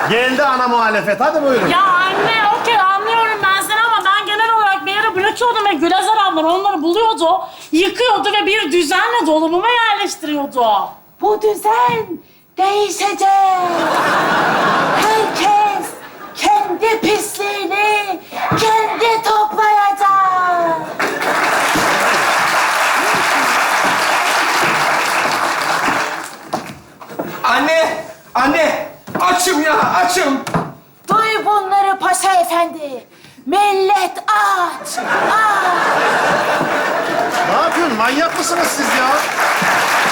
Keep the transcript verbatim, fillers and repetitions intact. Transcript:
Geldi ana muhalefet. Hadi buyurun. Ya anne, okey anlıyorum ben seni ama ben genel olarak bir yere bırakıyordum ve Gülezer ablam onları buluyordu, yıkıyordu ve bir düzenle dolabıma yerleştiriyordu. Bu düzen değişecek. Herkes kendi pisliğini kendi toplayacak. Anne! Anne! Açım ya, açım! Duy bunları paşa efendi. Millet aç, aç. Ne yapıyorsun? Manyak mısınız siz ya?